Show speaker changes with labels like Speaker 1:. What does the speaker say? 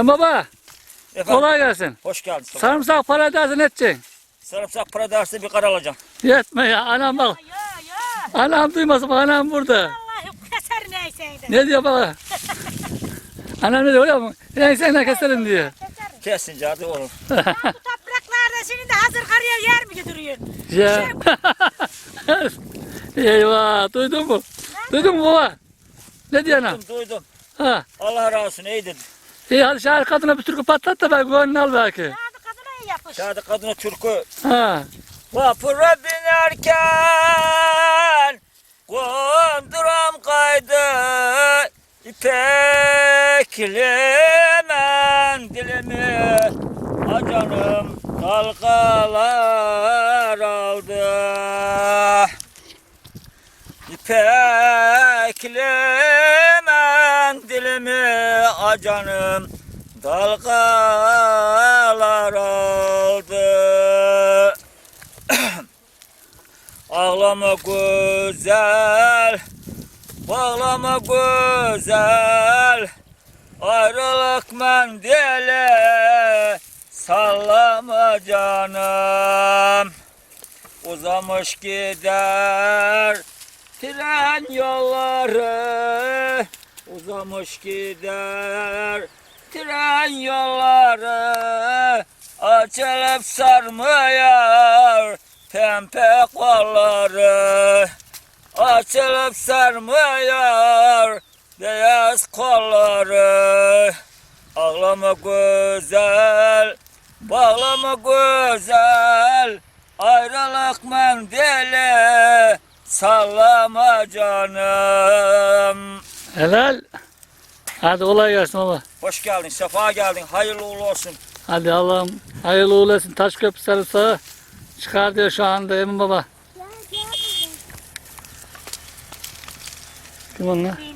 Speaker 1: Baba,
Speaker 2: Efendim,
Speaker 1: kolay gelsin.
Speaker 2: hoş geldin.
Speaker 1: Sarımsak para edersin edeceksin.
Speaker 2: Sarımsak para dersi bir kar alacağım.
Speaker 1: Yetme ya, anam bak.
Speaker 3: Ya.
Speaker 1: Anam duymasın, bak anam burada.
Speaker 3: Allah'ım keser neyseydi.
Speaker 1: Ne diyor baba? Anam ne diyor öyle mi? Sen ne keserim diyor.
Speaker 3: Keserim.
Speaker 2: Kesince hadi olur.
Speaker 3: Ya bu topraklarda şimdi de hazır karıya yer mi götürüyorsun?
Speaker 1: Ya. Eyvah, duydun mu? Duydun mu baba? Ne diyor anam?
Speaker 2: Duydum.
Speaker 1: Ha.
Speaker 2: Allah razı olsun iyi dedi.
Speaker 1: İyi hadi şahit kadına bir türkü patlat da ben gönlünü al belki.
Speaker 3: Ya da kadına iyi yapış.
Speaker 2: Şahane kadına türkü.
Speaker 1: Ha.
Speaker 2: Vapura binerken konduram kaydı İpekli mendilimi acanım dalgalar aldı. İpekli mendilimi acanım dalgalar aldı. Ağlama güzel, bağlama güzel, ayrılık mendili sallama canım. Uzamış gider tren yolları, uzamış gider tren yolları, açılıp sarmıyor pembe kolları, açılıp sarmıyor beyaz kolları. Ağlama güzel, bağlama güzel, ayrılık mendili sallama canım.
Speaker 1: Helal. Hadi kolay gelsin baba.
Speaker 2: Hoş geldin, sefa geldin, hayırlı uğurlu olsun.
Speaker 1: Hadi Allah'ım hayırlı uğurlu olsun. Taşköprü sarımsağı çıkar diyor şu anda Emin baba. Kim onlar?